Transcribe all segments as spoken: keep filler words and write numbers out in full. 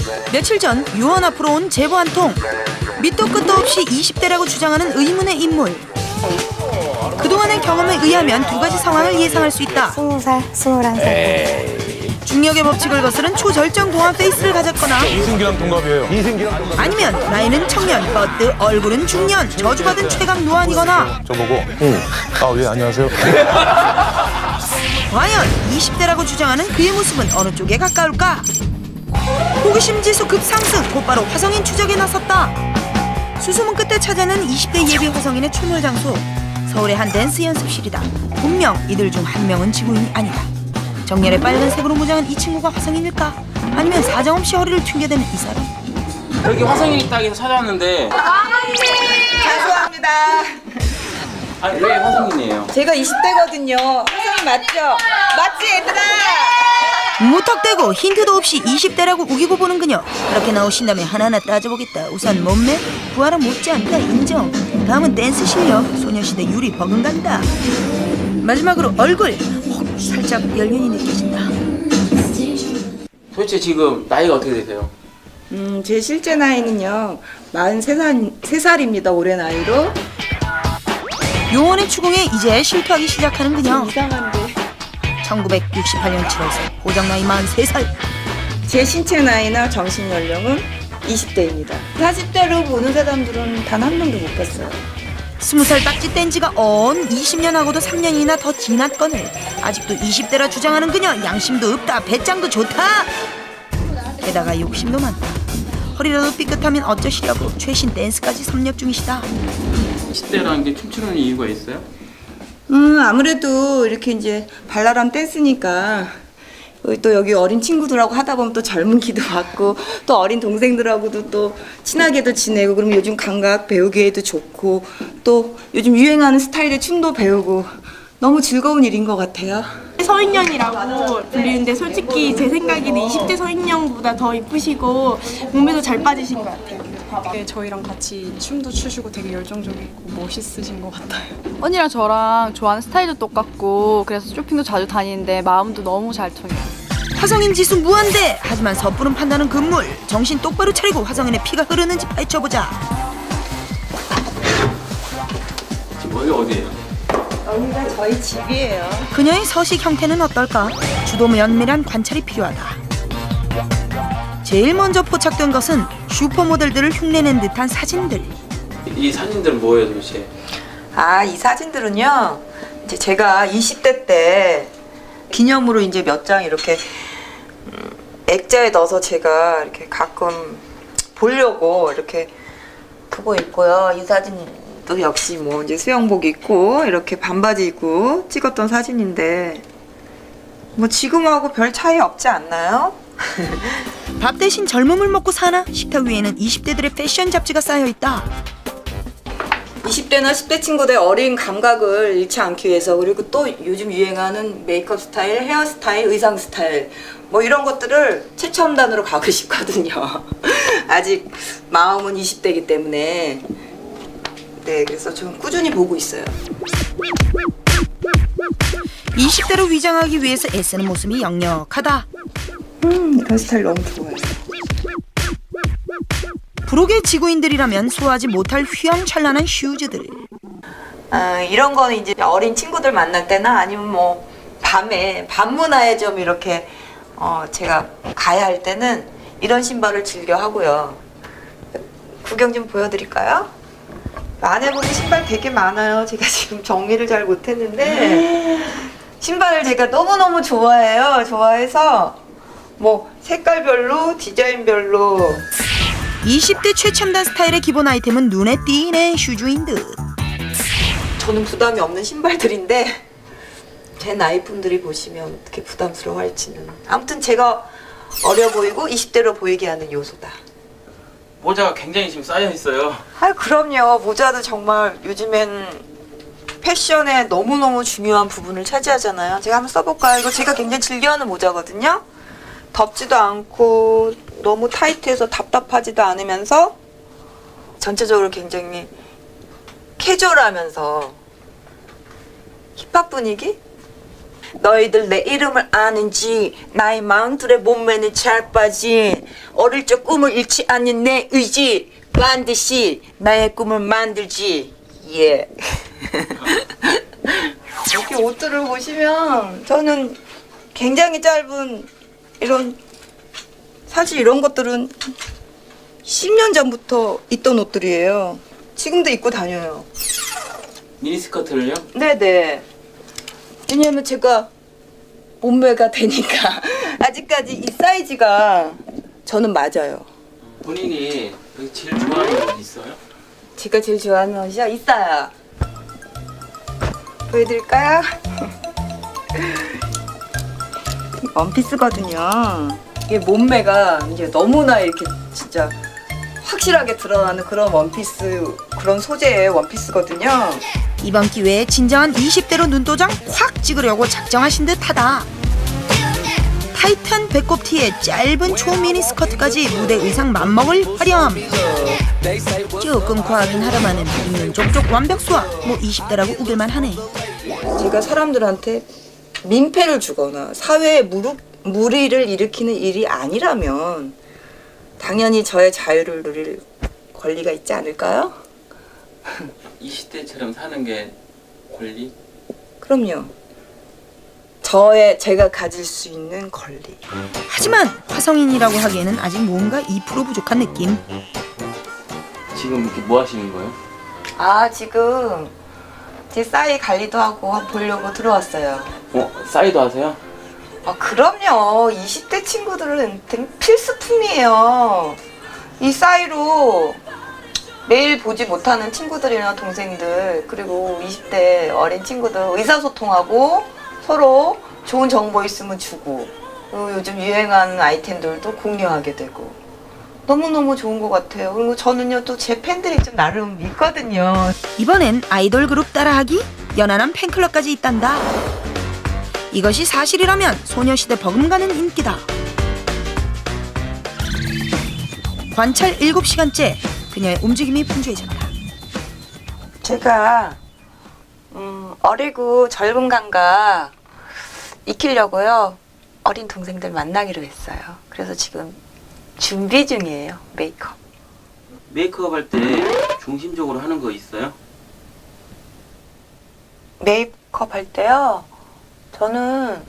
며칠 전 유원 앞으로 온 제보 한 통. 밑도 끝도 없이 이십 대라고 주장하는 의문의 인물. 그동안의 경험에 의하면 두 가지 상황을 예상할 수 있다. 스무 살, 스물한 살. 중력의 법칙을 거스른 초절정 동안 페이스를 가졌거나 이승기랑 동갑이에요. 이승기랑 동갑. 아니면 나이는 청년, 버트, 얼굴은 중년, 저주받은 최강 노안이거나 저보고 응. 아, 예, 안녕하세요. 과연 이십 대라고 주장하는 그의 모습은 어느 쪽에 가까울까? 호기심 지수 급상승, 곧바로 화성인 추적에 나섰다. 수소문 끝에 찾아낸 이십 대 예비 화성인의 출몰 장소, 서울의 한 댄스 연습실이다. 분명 이들 중 한 명은 지구인이 아니다. 정렬의 빨간색으로 무장한 이 친구가 화성인일까? 아니면 사정없이 허리를 튕겨대는 이 사람? 여기 화성인 있다 해서 찾아왔는데. 죄송합니다. 아니 왜 화성인이에요? 제가 이십 대거든요. 화성인 맞죠? 맞지 얘들아? 무턱대고 힌트도 없이 이십 대라고 우기고 보는 그녀. 그렇게 나오신다면 하나하나 따져보겠다. 우선 몸매, 부하랑 못지않다 인정. 다음은 댄스 실력, 소녀시대 유리 버금간다. 마지막으로 얼굴, 어, 살짝 연륜이 느껴진다. 도대체 지금 나이가 어떻게 되세요? 음, 제 실제 나이는요. 마흔세 살, 세 살입니다. 올해 나이로. 요원의 추궁에 이제 실토하기 시작하는 그녀. 이상한데. 천구백육십팔 년 칠월 살, 고정 나이 마흔세 살. 제 신체 나이나 정신 연령은 이십 대입니다. 사십 대로 보는 사람들은 단 한 명도 못 봤어요. 스무 살 딱지 뗀 지가 언 이십 년 하고도 삼 년이나 더 지났거늘 아직도 이십 대라 주장하는 그녀. 양심도 없다, 배짱도 좋다. 게다가 욕심도 많다. 허리라도 삐끗하면 어쩌시려고 최신 댄스까지 섭렵 중이시다. 이십 대라는 게 춤추는 이유가 있어요? 음, 아무래도 이렇게 이제 발랄한 댄스니까 또 여기 어린 친구들하고 하다 보면 또 젊은 기도 받고 또 어린 동생들하고도 또 친하게도 지내고 그러면 요즘 감각 배우기에도 좋고 또 요즘 유행하는 스타일의 춤도 배우고 너무 즐거운 일인 것 같아요. 서인년이라고 불리는데 솔직히 제 생각에는 이십 대 서인년보다 더 이쁘시고 몸매도 잘 빠지신 것 같아요. 네, 저희랑 같이 춤도 추시고 되게 열정적이고 멋있으신 것 같아요. 언니랑 저랑 좋아하는 스타일도 똑같고 그래서 쇼핑도 자주 다니는데 마음도 너무 잘 통해요. 화성인 지수 무한대. 하지만 섣부른 판단은 금물. 정신 똑바로 차리고 화성인의 피가 흐르는지 파헤쳐보자. 지금 여기 어디예요? 여기가 저희 집이에요. 그녀의 서식 형태는 어떨까? 주도 면밀한 관찰이 필요하다. 제일 먼저 포착된 것은 슈퍼모델들을 흉내낸 듯한 사진들. 이 사진들은 뭐예요 도대체? 아, 이 사진들은요. 이제 제가 이십 대 때 기념으로 이제 몇 장 이렇게 음, 액자에 넣어서 제가 이렇게 가끔 보려고 이렇게 보고 있고요. 이 사진도 역시 뭐 이제 수영복 입고 이렇게 반바지 입고 찍었던 사진인데 뭐 지금하고 별 차이 없지 않나요? 밥 대신 젊음을 먹고 사나? 식탁 위에는 이십 대들의 패션 잡지가 쌓여있다. 이십 대나 십 대 친구들의 어린 감각을 잃지 않기 위해서 그리고 또 요즘 유행하는 메이크업 스타일, 헤어스타일, 의상 스타일 뭐 이런 것들을 최첨단으로 가고 싶거든요. 아직 마음은 이십 대이기 때문에 네, 그래서 좀 꾸준히 보고 있어요. 이십 대로 위장하기 위해서 애쓰는 모습이 역력하다. 음, 이런 스타일 너무 좋아요. 부록의 지구인들이라면 소화하지 못할 휘황찬란한 슈즈들. 아, 이런 거는 이제 어린 친구들 만날 때나 아니면 뭐 밤에 밤 문화에 좀 이렇게 어, 제가 가야 할 때는 이런 신발을 즐겨 하고요. 구경 좀 보여드릴까요? 안에 보면 신발 되게 많아요. 제가 지금 정리를 잘 못했는데 신발을 제가 너무너무 좋아해요. 좋아해서 뭐 색깔별로 디자인별로 이십 대 최첨단 스타일의 기본 아이템은 눈에 띄네 슈즈인 듯. 저는 부담이 없는 신발들인데 제 나이 분들이 보시면 어떻게 부담스러워할지는. 아무튼 제가 어려 보이고 이십 대로 보이게 하는 요소다. 모자가 굉장히 지금 쌓여 있어요. 아, 그럼요. 모자도 정말 요즘엔 패션에 너무너무 중요한 부분을 차지하잖아요. 제가 한번 써볼까요? 이거 제가 굉장히 즐겨하는 모자거든요. 덥지도 않고 너무 타이트해서 답답하지도 않으면서 전체적으로 굉장히 캐주얼하면서 힙합 분위기? 너희들 내 이름을 아는지 나의 마음들의 몸매는 잘 빠진 어릴 적 꿈을 잃지 않는 내 의지 반드시 나의 꿈을 만들지. 예. 이렇게 옷들을 보시면 저는 굉장히 짧은 이런 사실 이런 것들은 십 년 전부터 있던 옷들이에요. 지금도 입고 다녀요. 미니스커트를요? 네네. 왜냐면 제가 몸매가 되니까 아직까지 이 사이즈가 저는 맞아요. 본인이 제일 좋아하는 옷 있어요? 제가 제일 좋아하는 옷이요? 있어요. 보여드릴까요? 원피스거든요. 이게 몸매가 이제 너무나 이렇게 진짜 확실하게 드러나는 그런 원피스, 그런 소재의 원피스거든요. 이번 기회에 진정한 이십 대로 눈도장 확 찍으려고 작정하신 듯하다. 타이트한 배꼽 티에 짧은 초미니 스커트까지 무대 의상 맘먹을 화려함. 조금 과하긴 하다마는 입는 족족 완벽수와 뭐 이십 대라고 우길만 하네. 제가 사람들한테 민폐를 주거나 사회에 무릎, 무리를 일으키는 일이 아니라면 당연히 저의 자유를 누릴 권리가 있지 않을까요? 이십 대처럼 사는 게 권리? 그럼요. 저의 제가 가질 수 있는 권리. 하지만 화성인이라고 하기에는 아직 뭔가 이 퍼센트 부족한 느낌. 지금 이렇게 뭐 하시는 거예요? 아 지금 제 싸이 관리도 하고 보려고 들어왔어요. 어? 싸이도 하세요? 아 그럼요. 이십 대 친구들은 필수품이에요. 이 싸이로 매일 보지 못하는 친구들이나 동생들 그리고 이십 대 어린 친구들 의사소통하고 서로 좋은 정보 있으면 주고 그리고 요즘 유행하는 아이템들도 공유하게 되고 너무너무 좋은 것 같아요. 그리고 저는요 또 제 팬들이 좀 나름 있거든요. 이번엔 아이돌 그룹 따라하기? 연하남 팬클럽까지 있단다. 이것이 사실이라면 소녀시대 버금가는 인기다. 관찰 일곱 시간째 그녀의 움직임이 분주해졌다. 제가 음, 어리고 젊은 감각 익히려고요. 어린 동생들 만나기로 했어요. 그래서 지금 준비 중이에요. 메이크업. 메이크업 할 때 중심적으로 하는 거 있어요? 메이크업 할 때요. 저는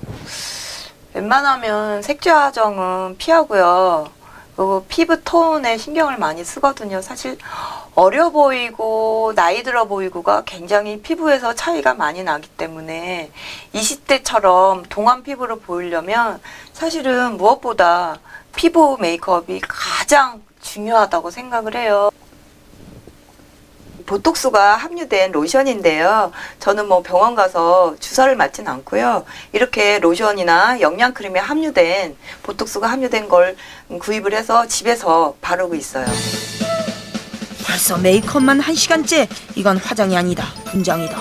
웬만하면 색조 화정은 피하고요. 그리고 피부 톤에 신경을 많이 쓰거든요. 사실 어려 보이고 나이 들어 보이고가 굉장히 피부에서 차이가 많이 나기 때문에 이십 대처럼 동안 피부로 보이려면 사실은 무엇보다 피부 메이크업이 가장 중요하다고 생각을 해요. 보톡스가 함유된 로션인데요. 저는 뭐 병원 가서 주사를 맞진 않고요. 이렇게 로션이나 영양크림에 함유된 보톡스가 함유된 걸 구입을 해서 집에서 바르고 있어요. 벌써 메이크업만 한 시간째. 이건 화장이 아니다. 분장이다.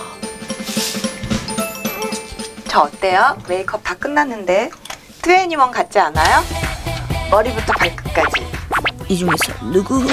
저 어때요? 메이크업 다 끝났는데 트웬티원 같지 않아요? 머리부터 발끝까지. 이 중에서 누구?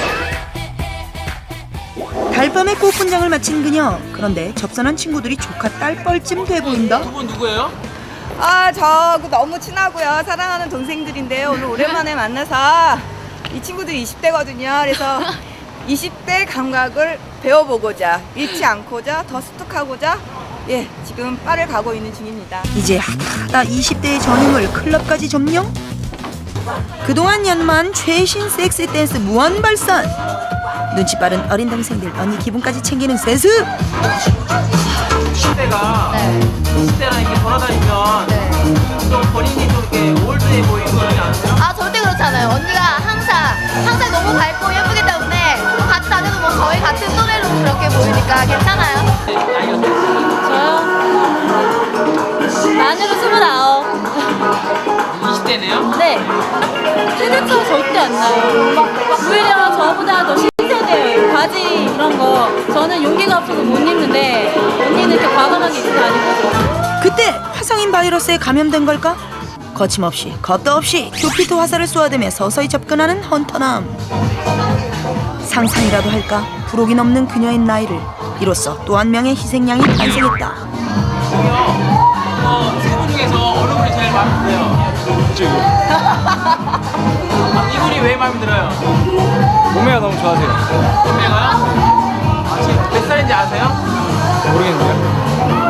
달밤에 꽃분장을 마친 그녀. 그런데 접선한 친구들이 조카 딸뻘쯤 돼 보인다. 두 분 누구예요? 아, 저 너무 친하고요. 사랑하는 동생들인데요. 오늘 오랜만에 만나서 이 친구들이 이십 대거든요. 그래서 이십 대 감각을 배워보고자 잃지 않고자 더 습득하고자 예 지금 빠를 가고 있는 중입니다. 이제 하다하다 이십 대의 전임을 클럽까지 점령? 그동안 연만 최신 섹시 댄스 무한 발산. 눈치 빠른 어린 동생들 언니 기분까지 챙기는 세습. 이십 대가 이십 대랑 이렇게 돌아다니면 좀 본인이 좀 이렇게 올드해 보이고 그러지 않으세요? 아 절대 그렇지 않아요. 언니가 항상 항상 너무 밝고 예쁘기 때문에 같이 다녀도 뭐 저희 같은 또래로 그렇게 보이니까 괜찮아요. 저요? 만으로 스물아홉. 이십 대네요? 네. 세대차가 절대 안 나요. 막 오히려 저보다 더 신세대예요. 바지 이런 거. 저는 용기가 없어서 못 입는데 언니는 이렇게 과감하게 입고 다니고. 그때 화성인 바이러스에 감염된 걸까? 거침없이 겁도 없이 큐피트 화살을 쏘아대며 서서히 접근하는 헌터남. 상상이라도 할까? 부록이 넘는 그녀의 나이를 이로써 또 한 명의 희생양이 탄생했다. 어, 세 분이 중에서 어느 분이 제일 마음에 들어요? 그치, 이거. 아, 이분이 왜 마음에 들어요? 몸매가 너무 좋아하세요. 몸매가요? 아, 지금 몇 살인지 아세요? 모르겠는데요.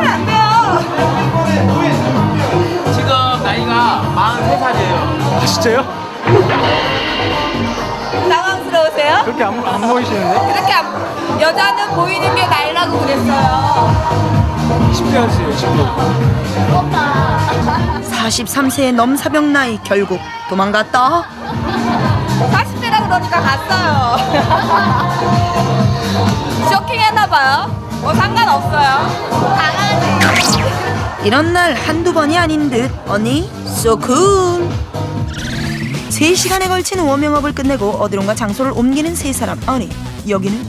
지금 나이가 마흔세 살이에요. 아, 진짜요? 당황스러우세요? 그렇게 안, 안 보이시는데? 그렇게 안- 여자는 보이는 게 나이라고 그랬어요. 이십 대 하세요, 이십 대. 사십삼 세의 넘사벽 나이 결국 도망갔다. 사십 대라 그러니까 갔어요. 쇼킹했나봐요. 뭐 상관없어요. 강아지. 이런 날 한두 번이 아닌 듯 언니 so cool. 세 시간에 걸친 워밍업을 끝내고 어디론가 장소를 옮기는 세 사람. 아니 여기는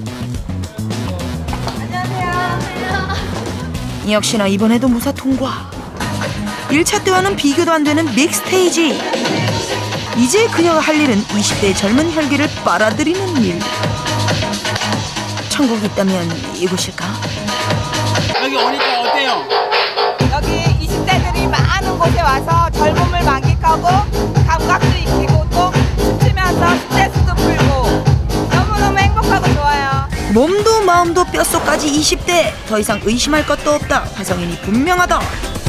역시나 이번에도 무사 통과. 일 차 때와는 비교도 안 되는 빅스테이지. 이제 그녀가 할 일은 이십 대의 젊은 혈기를 빨아들이는 일. 천국이 있다면 이곳일까? 여기 오니까 어때요? 여기 이십 대들이 많은 곳에 와서 젊음을 만끽하고 감각도 익히고 또 춤추면서 스트레스도 풀고 너무너무 행복하고 좋아요. 몸도 마음도 뼛속까지 이십 대. 더 이상 의심할 것도 없다. 화성인이 분명하다.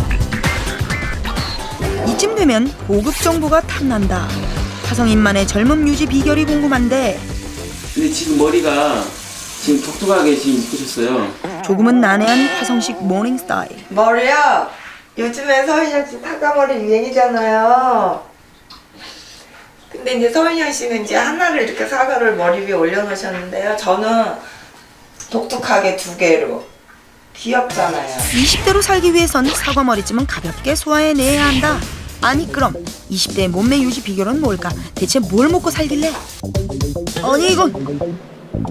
이쯤 되면 고급 정보가 탐난다. 화성인만의 젊음 유지 비결이 궁금한데 근데 지금 머리가 지금 독특하게 지금 묶으셨어요. 조금은 난해한 화성식 모닝 스타일. 머리요? 요즘에 서인영 씨 타가머리 유행이잖아요. 근데 이제 서인영 씨는 이제 하나를 이렇게 사과를 머리 위에 올려놓으셨는데요. 저는 독특하게 두 개로. 귀엽잖아요. 이십 대로 살기 위해선 사과머리쯤은 가볍게 소화해내야 한다. 아니 그럼 이십 대의 몸매 유지 비결은 뭘까? 대체 뭘 먹고 살길래? 아니 이건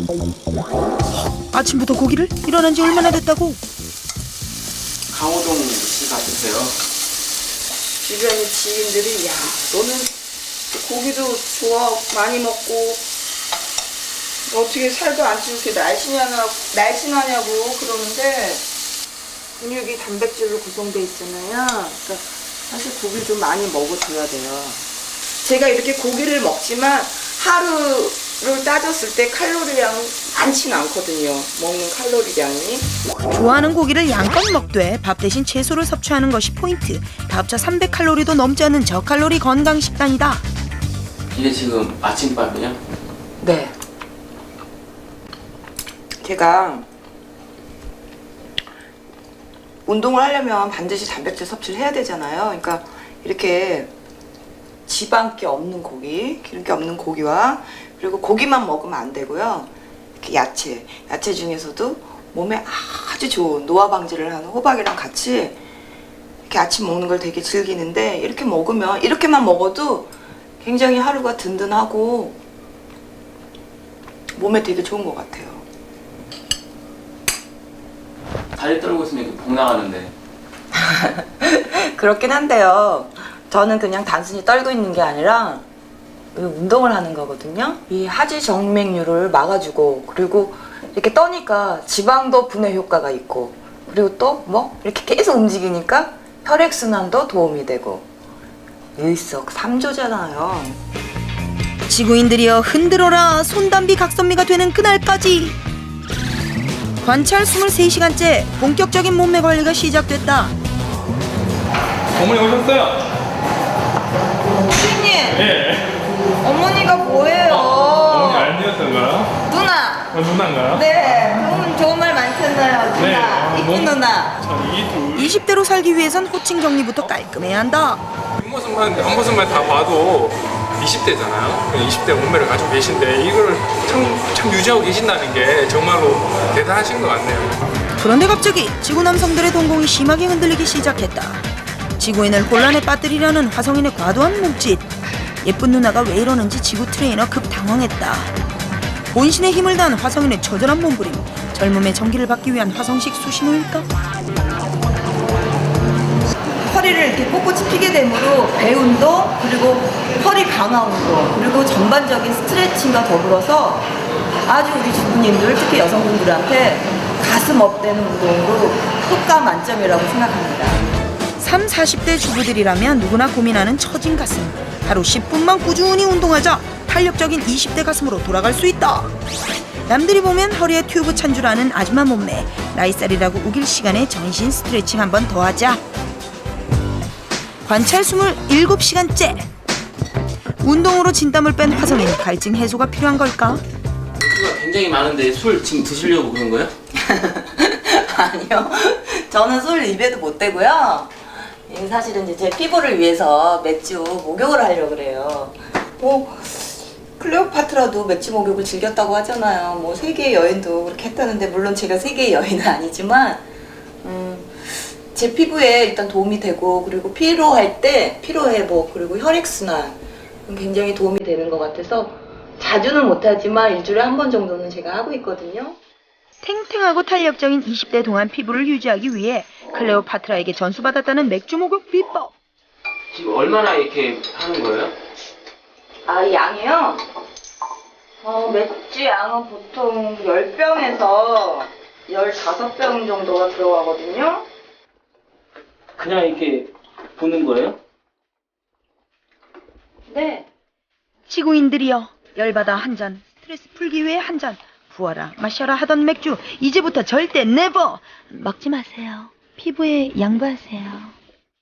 아침부터 고기를? 일어난 지 얼마나 됐다고? 강호동 씨 같으세요? 주변의 지인들이 야 너는 고기도 좋아 많이 먹고 어떻게 살도 안 찌고 이렇게 날씬하냐고, 날씬하냐고 그러는데 근육이 단백질로 구성돼 있잖아요. 그러니까 사실 고기를 좀 많이 먹어줘야 돼요. 제가 이렇게 고기를 먹지만 하루를 따졌을 때 칼로리량은 많지는 않거든요. 먹는 칼로리량이. 좋아하는 고기를 양껏 먹되 밥 대신 채소를 섭취하는 것이 포인트. 다 합쳐 삼백 칼로리도 넘지 않는 저칼로리 건강 식단이다. 이게 지금 아침밥이에요? 네. 제가 운동을 하려면 반드시 단백질 섭취를 해야 되잖아요. 그러니까 이렇게 지방기 없는 고기, 기름기 없는 고기와 그리고 고기만 먹으면 안 되고요. 이렇게 야채, 야채 중에서도 몸에 아주 좋은 노화 방지를 하는 호박이랑 같이 이렇게 아침 먹는 걸 되게 즐기는데 이렇게 먹으면 이렇게만 먹어도 굉장히 하루가 든든하고 몸에 되게 좋은 것 같아요. 다리 떨고 있으면 이렇게 복 나가는데. 그렇긴 한데요. 저는 그냥 단순히 떨고 있는 게 아니라 운동을 하는 거거든요. 이 하지 정맥류를 막아주고 그리고 이렇게 떠니까 지방도 분해 효과가 있고 그리고 또 뭐 이렇게 계속 움직이니까 혈액순환도 도움이 되고 일석삼조잖아요. 지구인들이여 흔들어라. 손담비 각선미가 되는 그날까지. 관찰 이십삼 시간째 본격적인 몸매 관리가 시작됐다. 어머니 오셨어요? 선생님, 예. 어머니가 뭐예요? 어머니 알미였던가요? 누나. 어, 누나인가요? 네, 좋은, 좋은 말 많잖아요. 누나, 네, 아, 이쁜 너무- 누나. 이 둘. 이십 대로 살기 위해선 호칭 정리부터 깔끔해야 한다. 뒷모습만, 앞모습만 다 봐도 이십 대잖아요. 이십 대 몸매를 가지고 계신데 이걸 참, 참 유지하고 계신다는 게 정말로 대단하신 것 같네요. 그런데 갑자기 지구 남성들의 동공이 심하게 흔들리기 시작했다. 지구인을 혼란에 빠뜨리려는 화성인의 과도한 몸짓. 예쁜 누나가 왜 이러는지 지구 트레이너 급 당황했다. 본신의 힘을 다한 화성인의 처절한 몸부림. 젊음의 전기를 받기 위한 화성식 수신호일까? 허리를 이렇게 꼿꼿이 피게 되므로 배 운동 그리고 허리 강화 운동 그리고 전반적인 스트레칭과 더불어서 아주 우리 주부님들 특히 여성분들한테 가슴 업되는 운동으로 효과 만점이라고 생각합니다. 삼, 사십 대 주부들이라면 누구나 고민하는 처진 가슴. 하루 십 분만 꾸준히 운동하자 탄력적인 이십 대 가슴으로 돌아갈 수 있다. 남들이 보면 허리에 튜브 찬 줄 아는 아줌마 몸매. 나이살이라고 우길 시간에 전신 스트레칭 한 번 더 하자. 관찰 이십칠 시간째. 운동으로 진땀을 뺀 화성인 갈증 해소가 필요한 걸까? 수가 굉장히 많은데 술 지금 드시려고 그런 거예요? 아니요. 저는 술 입에도 못 대고요. 이 사실은 이제 제 피부를 위해서 맥주 목욕을 하려고 그래요. 뭐 클레오파트라도 맥주 목욕을 즐겼다고 하잖아요. 뭐 세계의 여인도 그렇게 했다는데 물론 제가 세계의 여인은 아니지만 음, 제 피부에 일단 도움이 되고 그리고 피로할 때 피로 회복 그리고 혈액순환 굉장히 도움이 되는 것 같아서 자주는 못하지만 일주일에 한 번 정도는 제가 하고 있거든요. 탱탱하고 탄력적인 이십 대 동안 피부를 유지하기 위해 클레오파트라에게 전수받았다는 맥주 목욕 비법. 지금 얼마나 이렇게 하는 거예요? 아, 양이요? 어, 맥주 양은 보통 십 병에서 십오 병 정도가 들어가거든요. 그냥 이렇게 부는 거예요? 네. 지구인들이여, 열받아 한 잔, 스트레스 풀기 위해 한 잔, 부어라 마셔라 하던 맥주 이제부터 절대 네버 먹지 마세요. 피부에 양보하세요.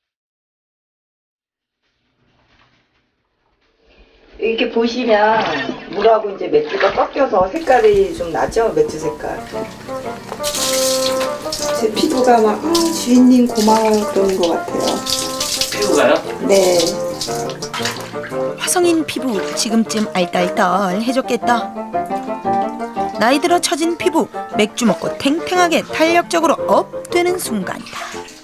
이렇게 보시면 물하고 이제 맥주가 섞여서 색깔이 좀 나죠? 맥주 색깔. 제 피부가 막 아, 주인님 고마워요 그러는 것 같아요. 피부가요? 네. 화성인 피부 지금쯤 알딸딸해졌겠다. 나이 들어 처진 피부 맥주 먹고 탱탱하게 탄력적으로 업 되는 순간이다.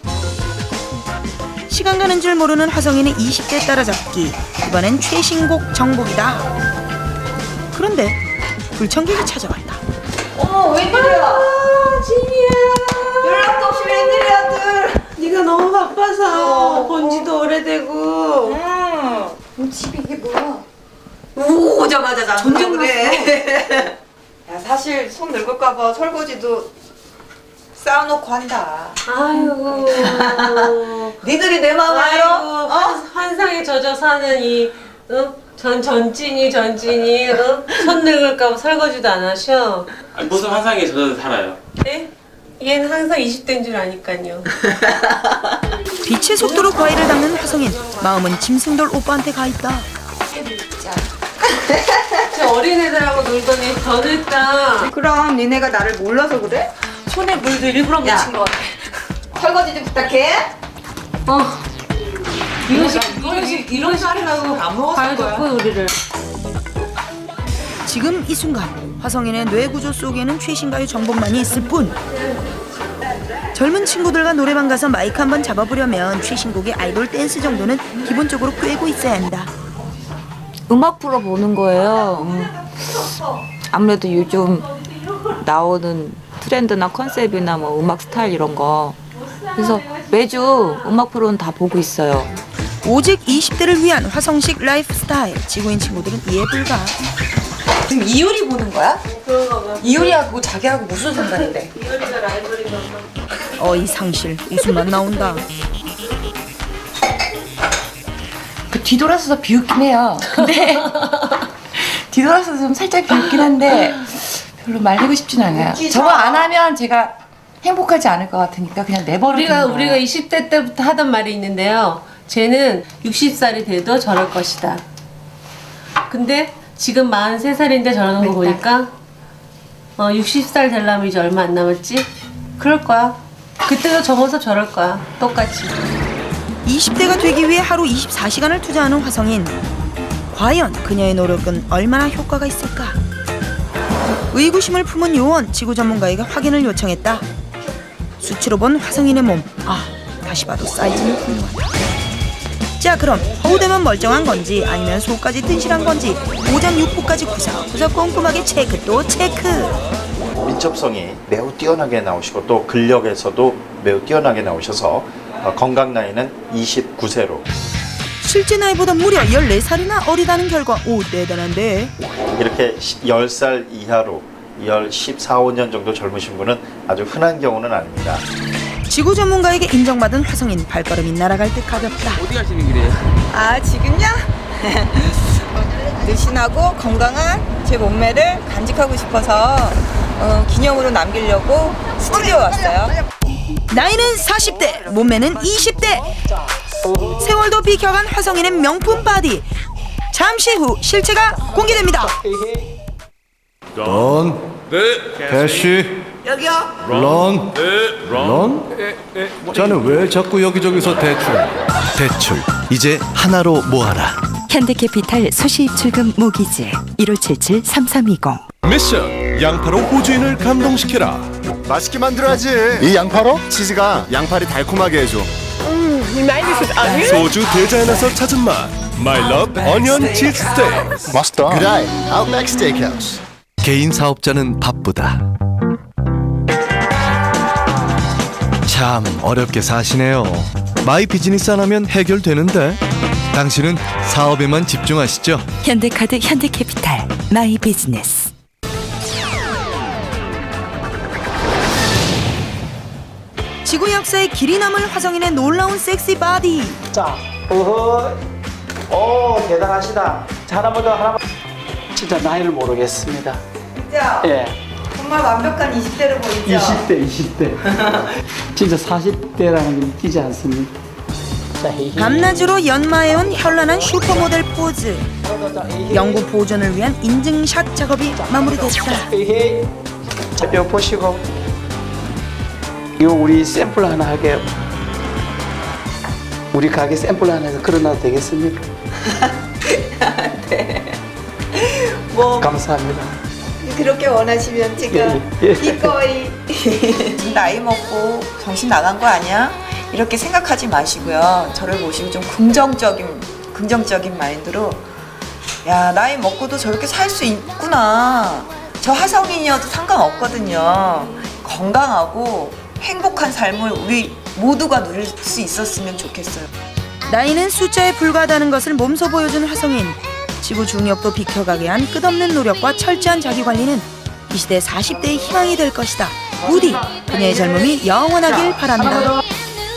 시간 가는 줄 모르는 화성인의 이십 대 따라잡기. 이번엔 최신곡 정복이다. 그런데 불청객이 찾아왔다. 어머 웬일이야? 진이야. 연락도 없이 웬일이야 아들. 네가 너무 바빠서 본 지도 오래되고. 응. 집이 이게 뭐야? 오 오자마자 전쟁을 해. 야 사실 손 늙을까봐 설거지도 쌓아놓고 한다. 아이고. 니들이 내 마음 알아? 어? 환, 환상에 젖어 사는 이 어? 전 전진이 전진이 어? 손 늙을까봐 설거지도 안 하셔. 아니, 무슨 환상에 젖어서 살아요? 네? 얘는 항상 이십 대인 줄 아니까요. 빛의 속도로 과일을 닦는 화성인. 마음은 짐승돌 오빠한테 가 있다. 저 어린애들하고 놀더니 더 늙다. 그럼 니네가 나를 몰라서 그래? 손에 물도 일부러 묻힌 것 같아. 설거지 좀 부탁해. 어. 이런 식, 이런 식, 이런 식 하려고 안 먹었을 거야. 우리를. 지금 이 순간 화성인의 뇌구조 속에는 최신가요 정복만이 있을 뿐. 젊은 친구들과 노래방 가서 마이크 한번 잡아보려면 최신곡의 아이돌 댄스 정도는 기본적으로 꿰고 있어야 한다. 음악 프로 보는 거예요. 음. 아무래도 요즘 나오는 트렌드나 컨셉이나 뭐 음악 스타일 이런 거. 그래서 매주 음악 프로는 다 보고 있어요. 오직 이십 대를 위한 화성식 라이프 스타일. 지구인 친구들은 이해 불가. 지금 이효리 보는 거야? 이효리하고 자기하고 무슨 상관인데? 이효리가 라이벌인가 봐. 어이 상실 웃음만 나온다. 그 뒤돌아서서 비웃긴 해요. 근데 뒤돌아서서 좀 살짝 비웃긴 한데 별로 말리고 싶진 않아요. 저거 안 하면 제가 행복하지 않을 것 같으니까 그냥 내버려 두는 우리가 거예요. 우리가 이십 대 때부터 하던 말이 있는데요. 쟤는 여든 살이 돼도 저럴 것이다. 근데 지금 마흔세 살인데 저러는 거 보니까 어, 여든 살 되려면 이제 얼마 안 남았지? 그럴 거야. 그때도 접어서 저럴 거야. 똑같이. 이십 대가 되기 위해 하루 이십사 시간을 투자하는 화성인. 과연 그녀의 노력은 얼마나 효과가 있을까? 의구심을 품은 요원 지구 전문가에게 확인을 요청했다. 수치로 본 화성인의 몸. 아, 다시 봐도 사이즈는 훌륭하다. 자, 그럼 허우대만 멀쩡한 건지 아니면 속까지 튼실한 건지 오장 육부까지 구석구석 꼼꼼하게 체크 또 체크. 민첩성이 매우 뛰어나게 나오시고 또 근력에서도 매우 뛰어나게 나오셔서 건강 나이는 이십구 세로. 실제 나이보다 무려 열네 살이나 어리다는 결과. 오, 대단한데. 이렇게 열 살 이하로 열 십사, 오 년 정도 젊으신 분은 아주 흔한 경우는 아닙니다. 지구 전문가에게 인정받은 화성인 발걸음이 날아갈 듯 가볍다. 어디 가시는 길이에요? 아 지금요? 늘씬하고 건강한 제 몸매를 간직하고 싶어서 어, 기념으로 남기려고 스튜디오 왔어요. 나이는 사십 대, 몸매는 이십 대. 세월도 비켜간 화성인의 명품 바디. 잠시 후 실체가 공개됩니다. 런, 네. 캐시, 여기요. 런, 네. 런. 네. 네. 자는 왜 자꾸 여기저기서 대출? 대출 이제 하나로 모아라. 현대캐피탈 수시입출금 모기지 일오칠칠 삼삼이공. 미션 양파로 호주인을 감동시켜라. 맛있게 만들어야지. 이 양파로 치즈가 양파를 달콤하게 해줘. 소주 대자연에서 찾은 맛 My Love Onion Cheese Steak. 맛있다. 그래, 아웃백 스테이크하우스. 개인 사업자는 바쁘다. 참 어렵게 사시네요. 마이 비즈니스 하나면 해결되는데 당신은 사업에만 집중하시죠. 현대카드 현대캐피탈 마이 비즈니스. 지구 역사에 길이 남을 화성인의 놀라운 섹시 바디. 자, 어허, 오 대단하시다. 자, 하나만 더 하나만. 진짜 나이를 모르겠습니다. 진짜? 예. 정말 완벽한 이십 대로 보이죠? 이십 대, 이십 대. 진짜 사십 대라는 게 믿기지 않습니다. 자, 밤낮으로 연마해온 현란한 슈퍼모델 포즈. 영구 보존을 위한 인증샷 작업이 마무리됐다. 자, 뼈 보시고. 이거 우리 샘플 하나 하게요. 우리 가게 샘플 하나 해서 걸어놔도 되겠습니까? 네. 뭐 감사합니다. 그렇게 원하시면 제가 예, 예. 기꺼이. 나이 먹고 정신 나간 거 아니야? 이렇게 생각하지 마시고요. 저를 보시고 좀 긍정적인 긍정적인 마인드로 야 나이 먹고도 저렇게 살 수 있구나. 저 화성인이어도 상관없거든요. 건강하고 행복한 삶을 우리 모두가 누릴 수 있었으면 좋겠어요. 나이는 숫자에 불과하다는 것을 몸소 보여준 화성인. 지구 중력도 비켜가게 한 끝없는 노력과 철저한 자기관리는 이 시대 사십 대의 희망이 될 것이다. 부디 그녀의 젊음이 영원하길 바란다.